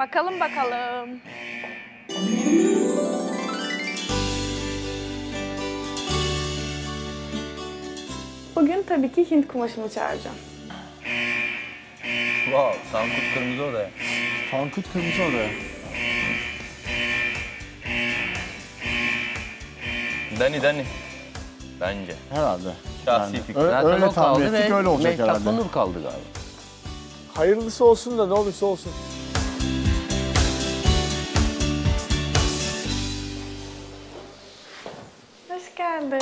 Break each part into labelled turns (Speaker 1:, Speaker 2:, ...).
Speaker 1: Bakalım bakalım. Bugün tabii ki Hint kumaşımı çağıracağım.
Speaker 2: Wow, Tankut Kırmızı Odaya.
Speaker 3: Tankut Kırmızı Odaya.
Speaker 2: Dani. Bence.
Speaker 3: Herhalde.
Speaker 2: Şahsi
Speaker 3: Yani
Speaker 2: fikrim.
Speaker 3: öyle tahmin
Speaker 4: kaldı
Speaker 3: ettik,
Speaker 4: ve
Speaker 3: öyle olacak
Speaker 4: Mehtap
Speaker 3: herhalde.
Speaker 4: Onur kaldı galiba.
Speaker 5: Hayırlısı olsun da ne olursa olsun.
Speaker 1: Hoş geldin.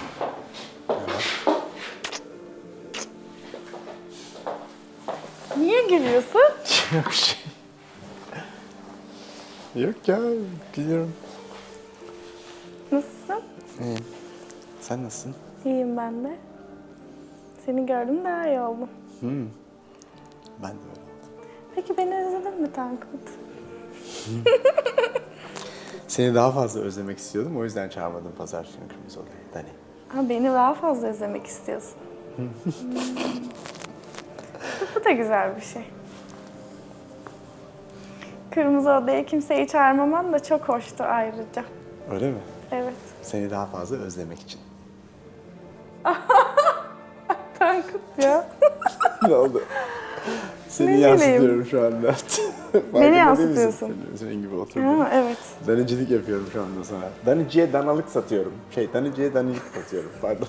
Speaker 1: Niye gülüyorsun?
Speaker 3: Yok şey. Yok ya, biliyorum.
Speaker 1: Nasılsın?
Speaker 3: İyiyim. Sen nasılsın?
Speaker 1: İyiyim ben de. Seni gördüm daha iyi oldum.
Speaker 3: Ben de öyle.
Speaker 1: Peki beni özledin mi Tankut?
Speaker 3: Seni daha fazla özlemek istiyordum, o yüzden çağırmadım pazar günü Kırmızı Odaya. Dani.
Speaker 1: Ha, beni daha fazla özlemek istiyorsun. Bu da güzel bir şey. Kırmızı Odaya kimseyi çağırmaman da çok hoştu ayrıca.
Speaker 3: Öyle mi?
Speaker 1: Evet.
Speaker 3: Seni daha fazla özlemek için.
Speaker 1: Tankut ya.
Speaker 3: Ne oldu? Seni
Speaker 1: Ne
Speaker 3: yansıtıyorum şu anda. Farkında değil misin?
Speaker 1: yansıtıyorsun.
Speaker 3: Senin gibi oturdum.
Speaker 1: Ha, evet.
Speaker 3: Danicilik yapıyorum şu anda sana. Daniciye danalık satıyorum. Daniciye danilik satıyorum. Pardon.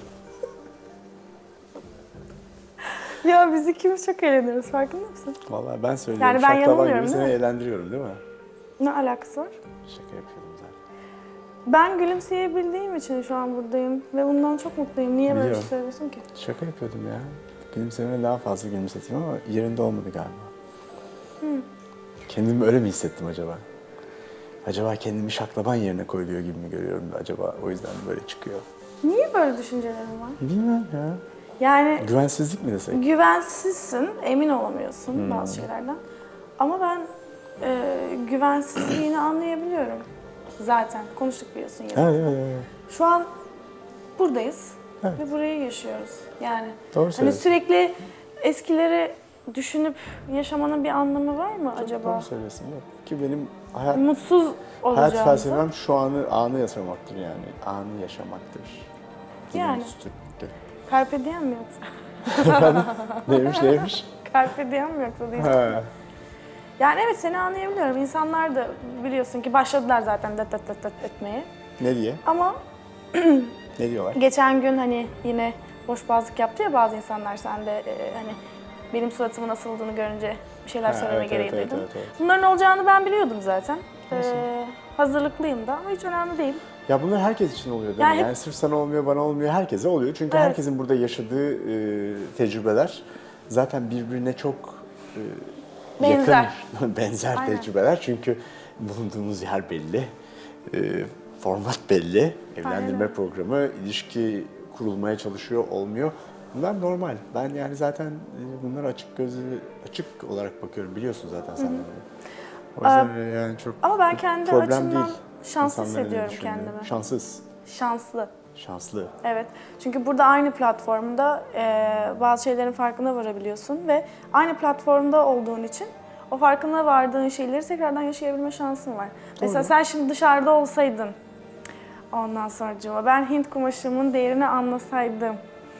Speaker 1: Ya biz ikimiz çok eğleniyoruz, farkında mısın?
Speaker 3: Vallahi ben söylüyorum.
Speaker 1: Yani ben
Speaker 3: Şaklaban
Speaker 1: yanılmıyorum,
Speaker 3: gibi
Speaker 1: değil
Speaker 3: seni
Speaker 1: mi?
Speaker 3: eğlendiriyorum değil mi?
Speaker 1: Ne alakası var?
Speaker 3: Şaka yapıyordum zaten.
Speaker 1: Ben gülümseyebildiğim için şu an buradayım ve bundan çok mutluyum. Niye böyle bir şey
Speaker 3: Biliyorum.
Speaker 1: söylüyorsun ki?
Speaker 3: Şaka yapıyordum ya. Gülümsemeni daha fazla gülümseteyim ama yerinde olmadı galiba. Kendimi öyle mi hissettim acaba? Acaba kendimi şaklaban yerine koyuluyor gibi mi görüyorum acaba? O yüzden böyle çıkıyor.
Speaker 1: Niye böyle düşüncelerin var?
Speaker 3: Bilmem ya.
Speaker 1: Yani
Speaker 3: Güvensizlik mi desek?
Speaker 1: güvensizsin, emin olamıyorsun bazı şeylerden. Ama ben güvensizliğini anlayabiliyorum. Zaten konuştuk biliyorsun ya.
Speaker 3: Evet.
Speaker 1: Şu an buradayız
Speaker 3: Evet.
Speaker 1: ve burayı yaşıyoruz. Yani
Speaker 3: Doğru
Speaker 1: hani
Speaker 3: söylüyorsun.
Speaker 1: sürekli eskileri düşünüp yaşamanın bir anlamı var mı acaba?
Speaker 3: Doğru söylüyorsun. Yok. Ki benim hayat
Speaker 1: Mutsuz olacağımızı.
Speaker 3: felsefem şu anı yaşamaktır yani. Anı yaşamaktır.
Speaker 1: Yani.
Speaker 3: Üstündür.
Speaker 1: Carpe diem mi yoksa?
Speaker 3: Neymiş?
Speaker 1: Carpe diem mi yoksa değil.
Speaker 3: Ha.
Speaker 1: Yani evet seni anlayabiliyorum. İnsanlar da biliyorsun ki başladılar zaten det etmeye.
Speaker 3: Ne diye?
Speaker 1: Ama
Speaker 3: Ne diyorlar?
Speaker 1: geçen gün hani yine boşboğazlık yaptı ya bazı insanlar. Sen de hani benim suratımın asıldığını görünce bir şeyler
Speaker 3: Ha,
Speaker 1: söyleme
Speaker 3: evet,
Speaker 1: gereği
Speaker 3: evet,
Speaker 1: duydum.
Speaker 3: evet.
Speaker 1: Bunların olacağını ben biliyordum zaten. Hazırlıklıyım da ama hiç önemli değil.
Speaker 3: Ya bunlar herkes için oluyor değil
Speaker 1: Yani
Speaker 3: mi?
Speaker 1: hep-
Speaker 3: Yani sırf sana olmuyor, bana olmuyor, herkese oluyor. Çünkü
Speaker 1: Evet.
Speaker 3: herkesin burada yaşadığı tecrübeler zaten birbirine çok
Speaker 1: Benzer.
Speaker 3: yakın, benzer
Speaker 1: Aynen.
Speaker 3: tecrübeler. Çünkü bulunduğumuz yer belli, format belli, evlendirme
Speaker 1: öyle.
Speaker 3: programı, ilişki kurulmaya çalışıyor, olmuyor. Bunlar normal. Ben yani zaten bunlara açık olarak bakıyorum. Biliyorsun zaten sen de bunu. O yüzden yani çok
Speaker 1: Ama ben kendi
Speaker 3: problem
Speaker 1: açımdan
Speaker 3: değil.
Speaker 1: şanslı
Speaker 3: İnsanların ne
Speaker 1: hissediyorum
Speaker 3: düşündüğü.
Speaker 1: kendimi.
Speaker 3: Şanssız.
Speaker 1: Şanslı.
Speaker 3: Şanslı.
Speaker 1: Evet. Çünkü burada aynı platformda bazı şeylerin farkına varabiliyorsun ve aynı platformda olduğun için o farkına vardığın şeyleri tekrardan yaşayabilme şansın var. Mesela sen şimdi dışarıda olsaydın, ondan sonracığıma ben Hint kumaşımın değerini anlasaydım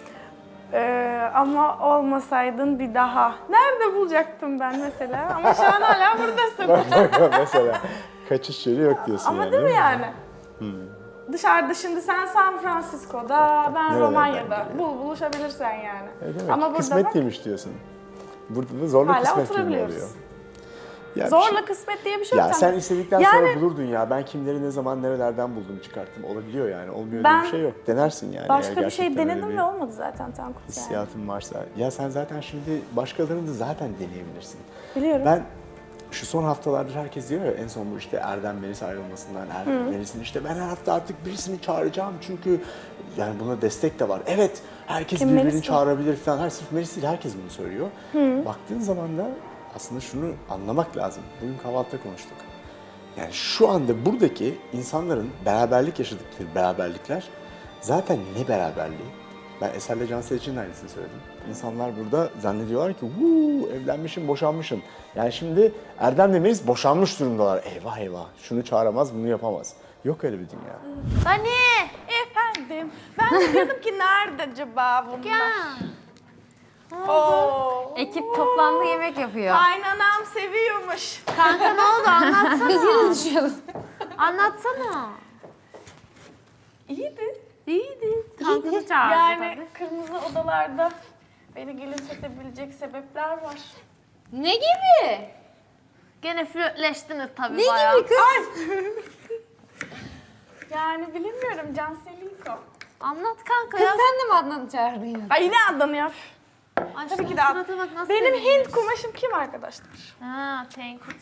Speaker 1: ama olmasaydın bir daha. Nerede bulacaktım ben mesela? Ama şu an hala buradasın.
Speaker 3: Mesela kaçış yeri yok diyorsun
Speaker 1: Ama
Speaker 3: yani.
Speaker 1: değil mi
Speaker 3: mi?
Speaker 1: yani? Dışarıda şimdi sen San Francisco'da, ben
Speaker 3: Nerelerden
Speaker 1: Romanya'da.
Speaker 3: geliyor?
Speaker 1: Buluşabilirsen yani.
Speaker 3: Demek
Speaker 1: Ama burada
Speaker 3: kısmet
Speaker 1: bak,
Speaker 3: değilmiş diyorsun. Burada da zorla
Speaker 1: hala
Speaker 3: kısmet gibi
Speaker 1: oturabiliyoruz.
Speaker 3: oluyor. Ya bir
Speaker 1: Zorla
Speaker 3: şey-
Speaker 1: kısmet diye bir şey yok.
Speaker 3: Ya sen istedikten
Speaker 1: Yani-
Speaker 3: sonra bulurdun ya. Ben kimleri ne zaman nerelerden buldum çıkarttım. Olabiliyor yani. Olmuyor
Speaker 1: Ben
Speaker 3: diye bir şey yok. Denersin yani.
Speaker 1: Başka
Speaker 3: eğer
Speaker 1: bir şey
Speaker 3: gerçekten öyle
Speaker 1: denedim
Speaker 3: bir
Speaker 1: ve olmadı zaten Tankut yani.
Speaker 3: hissiyatın varsa. Ya sen zaten şimdi başkalarını da zaten deneyebilirsin.
Speaker 1: Biliyorum.
Speaker 3: Ben şu son haftalardır herkes diyor ya en son bu işte Erdem Melis ayrılmasından Melis'in işte ben her hafta artık birisini çağıracağım çünkü yani buna destek de var. Evet herkes
Speaker 1: Kim,
Speaker 3: birbirini
Speaker 1: Melis mi?
Speaker 3: çağırabilir falan. Her sırf Melis değil herkes bunu söylüyor. Baktığın zaman da aslında şunu anlamak lazım. Bugün kahvaltıda konuştuk. Yani şu anda buradaki insanların beraberlik yaşadıkları beraberlikler zaten ne beraberliği? Ben Eser'le Cansel için de aynısını söyledim. İnsanlar burada zannediyorlar ki "Huu, evlenmişim, boşanmışım." Yani şimdi Erdem'le Melis boşanmış durumdalar. Eyvah eyvah, şunu çağıramaz, bunu yapamaz. Yok öyle bir dünya.
Speaker 4: Dani!
Speaker 1: Efendim, ben de diyordum ki nerede acaba bunlar?
Speaker 4: Gel.
Speaker 1: Oo.
Speaker 4: Ekip toplandı yemek yapıyor.
Speaker 1: Kaynanam seviyormuş.
Speaker 4: Kanka ne oldu anlatsana. Biz yine düşüyoruz. Anlatsana.
Speaker 1: İyiydi.
Speaker 4: İyiydi. Kankası çağırdı
Speaker 1: Yani
Speaker 4: tabii.
Speaker 1: kırmızı odalarda beni gülümsetebilecek sebepler var.
Speaker 4: Ne gibi? Gene flörtleştiniz tabii bayağı.
Speaker 1: Ne gibi kız? Yani bilemiyorum, Canseliko.
Speaker 4: Anlat kanka ya.
Speaker 6: Sen de mi Adnan'ı çağırdın ya?
Speaker 1: Ay yine Adnan'ı yap.
Speaker 4: Ay,
Speaker 1: Tabii
Speaker 4: şunun
Speaker 1: ki de Adnan.
Speaker 4: surata bak nasıl
Speaker 1: Benim
Speaker 4: seviniyor.
Speaker 1: Hint kumaşım kim arkadaşlar?
Speaker 4: Ha, Tenkut.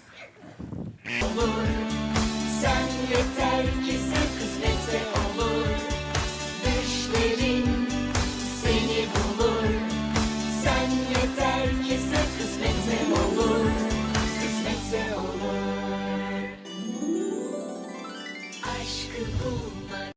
Speaker 7: Sen yeter ki sen kısmetse olur. Düşlerin seni bulur. Sen yeter ki sen kısmetse olur. Kısmetse olur. Aşkı bulmak